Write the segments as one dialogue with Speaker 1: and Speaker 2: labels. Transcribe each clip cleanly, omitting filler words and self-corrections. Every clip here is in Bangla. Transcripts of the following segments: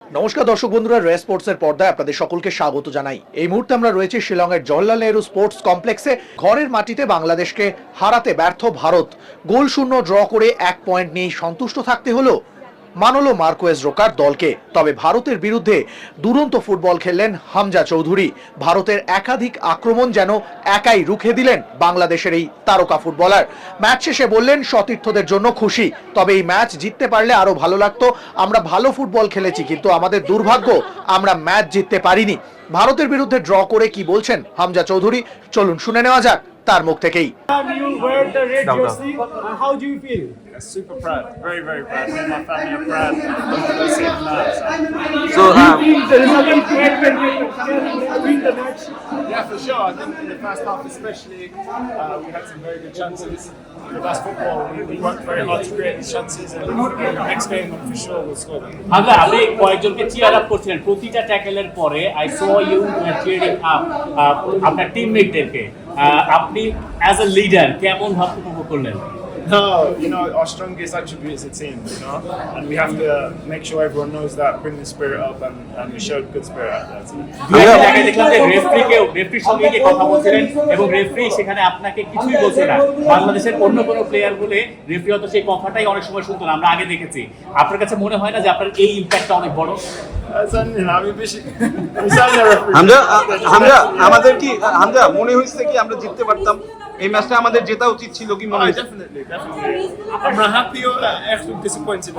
Speaker 1: নমস্কার দর্শক বন্ধুরা, রে স্পোর্টসের পর্দায় আপনাদের সকলকে স্বাগত জানাই। এই মুহূর্তে আমরা রয়েছি শিলংয়ের জওহরলাল নেহরু স্পোর্টস কমপ্লেক্সে। ঘরের মাটিতে বাংলাদেশকে হারাতে ব্যর্থ ভারত গোল শূন্য ড্র করে 1 পয়েন্ট নিয়ে সন্তুষ্ট থাকতে হলো মানলো মার্কোয়েজ রোকার দলকে। তবে ভারতের বিরুদ্ধে দুরন্ত ফুটবল খেললেন হামজা চৌধুরী। ভারতের একাধিক আক্রমণ যেন একাই রুখে দিলেন বাংলাদেশের এই তারকা ফুটবলার। ম্যাচ শেষে বললেন সতীর্থদের জন্য খুশি, তবে এই ম্যাচ জিততে পারলে আরো ভালো লাগতো। আমরা ভালো ফুটবল খেলেছি, কিন্তু আমাদের দুর্ভাগ্য আমরা ম্যাচ জিততে পারিনি। ভারতের বিরুদ্ধে ড্র করে কি বলছেন হামজা চৌধুরী, চলুন শুনে নেওয়া যাক তার মুখ থেকেই।
Speaker 2: You wear the red jersey. How do you feel?
Speaker 3: Super proud, very, very proud. Me and my family are proud. Saving lives.
Speaker 2: So, the result is great when you win the match.
Speaker 3: Yeah, for sure. I think in the first half, especially, we had some very good chances. But that's football. We worked very hard to create these chances, and next game, for sure, we'll score them.
Speaker 4: আমরা আপনি কয়েকজনকে চিয়ার আপ করছিলেন প্রতিটা ট্যাকেলের পরে। I saw you cheering up আপনার টিমমেটদেরকে। আপনি অ্যাজ আ লিডার কেমন ভাবে উপভোগ করলেন?
Speaker 3: No, our strongest attribute is a team, and we have to make sure everyone knows that, bring the spirit up, and we showed good spirit out there too.
Speaker 4: দেখলাম যে রেফারির সঙ্গে গিয়ে কথা বলছিলেন এবং রেফারি সেখানে আপনাকে কিছুই বলছে না। বাংলাদেশের অন্য কোনো প্লেয়ার বলে রেফারি হয়তো সেই কথাটাই অনেক সময় শুনতো না, আমরা আগে দেখেছি। আপনার কাছে মনে হয় না যে আপনার এই ইম্প্যাক্টটা অনেক বড়?
Speaker 5: আমাদের কি হামজা মনে হয়েছে কি আমরা জিততে পারতাম? এই ম্যাচটা আমাদের জেতা উচিত ছিল কি মনে হয়?
Speaker 3: Definitely. I'm happy or actually disappointed.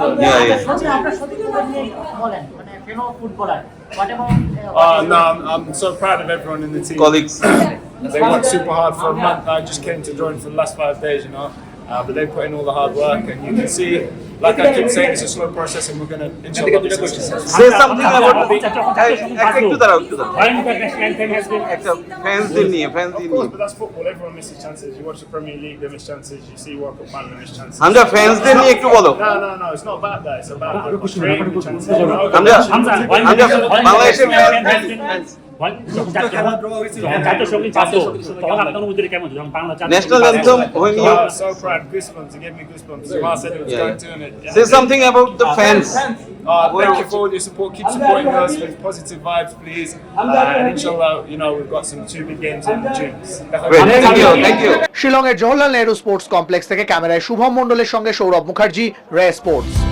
Speaker 3: No, I'm so proud of everyone in the team.
Speaker 5: Colleagues.
Speaker 3: They worked super hard for a month. I just came to join for the last 5 days, but they put in all the hard work, and you can see, like I keep saying, it's a slow process, and we're going to inshallah be successful.
Speaker 5: Say something about একটু দাঁড়াও একটা ফ্যান্সদের নিয়ে
Speaker 3: Of course, but that's football. Everyone misses chances. You watch the Premier League, they miss chances. You see World Cup final, they miss chances.
Speaker 5: Hamza ফ্যান্সদের নিয়ে একটু বলো।
Speaker 3: No. It's not about that. It's about creating chances.
Speaker 5: Hamza বাংলাদেশের fans National anthem when you
Speaker 3: so proud, goosebumps. It gave me goosebumps. Jamal said it was going to, and it.
Speaker 5: say something about the fans.
Speaker 3: Thank you for all your support. Keep supporting us with positive vibes, please. And inshallah, we've got some 2 big games in June.
Speaker 5: Thank you.
Speaker 1: শিলংয়ের জওহরলাল নেহরু স্পোর্টস কমপ্লেক্স থেকে ক্যামেরায় শুভম মণ্ডলের সঙ্গে সৌরভ মুখার্জি, রে স্পোর্টস।